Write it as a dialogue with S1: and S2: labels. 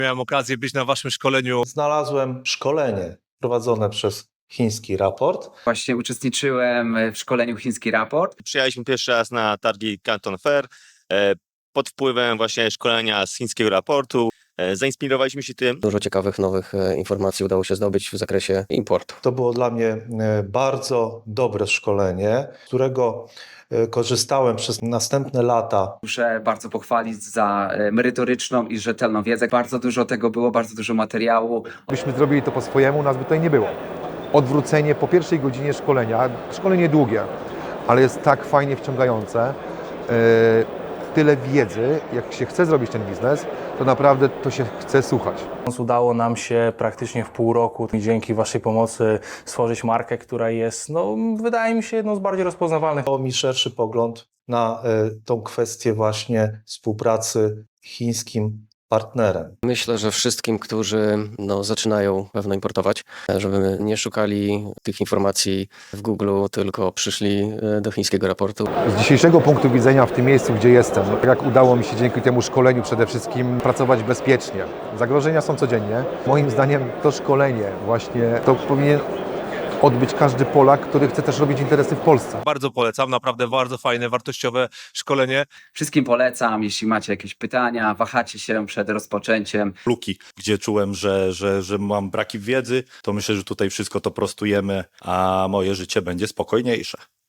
S1: Miałem okazję być na waszym szkoleniu.
S2: Znalazłem szkolenie prowadzone przez Chiński Raport.
S3: Właśnie uczestniczyłem w szkoleniu Chiński Raport.
S4: Przyjechaliśmy pierwszy raz na targi Canton Fair pod wpływem właśnie szkolenia z chińskiego raportu. Zainspirowaliśmy się tym.
S5: Dużo ciekawych nowych informacji udało się zdobyć w zakresie importu.
S2: To było dla mnie bardzo dobre szkolenie, z którego korzystałem przez następne lata.
S3: Muszę bardzo pochwalić za merytoryczną i rzetelną wiedzę. Bardzo dużo tego było, bardzo dużo materiału.
S6: Gdybyśmy zrobili to po swojemu, nas by tutaj nie było. Odwrócenie po pierwszej godzinie szkolenia, szkolenie długie, ale jest tak fajnie wciągające. Tyle wiedzy, jak się chce zrobić ten biznes, to naprawdę to się chce słuchać.
S7: Udało nam się praktycznie w pół roku dzięki waszej pomocy stworzyć markę, która jest, wydaje mi się, jedną z bardziej rozpoznawalnych.
S2: Dało mi szerszy pogląd na tą kwestię właśnie współpracy z chińskim partnerem.
S5: Myślę, że wszystkim, którzy zaczynają pewno importować, żeby nie szukali tych informacji w Google, tylko przyszli do chińskiego raportu.
S6: Z dzisiejszego punktu widzenia w tym miejscu, gdzie jestem, jak udało mi się dzięki temu szkoleniu przede wszystkim pracować bezpiecznie. Zagrożenia są codziennie. Moim zdaniem to szkolenie właśnie to powinien odbyć każdy Polak, który chce też robić interesy w Polsce.
S1: Bardzo polecam, naprawdę bardzo fajne, wartościowe szkolenie.
S3: Wszystkim polecam, jeśli macie jakieś pytania, wahacie się przed rozpoczęciem.
S8: Luki, gdzie czułem, że mam braki wiedzy, to myślę, że tutaj wszystko to prostujemy, a moje życie będzie spokojniejsze.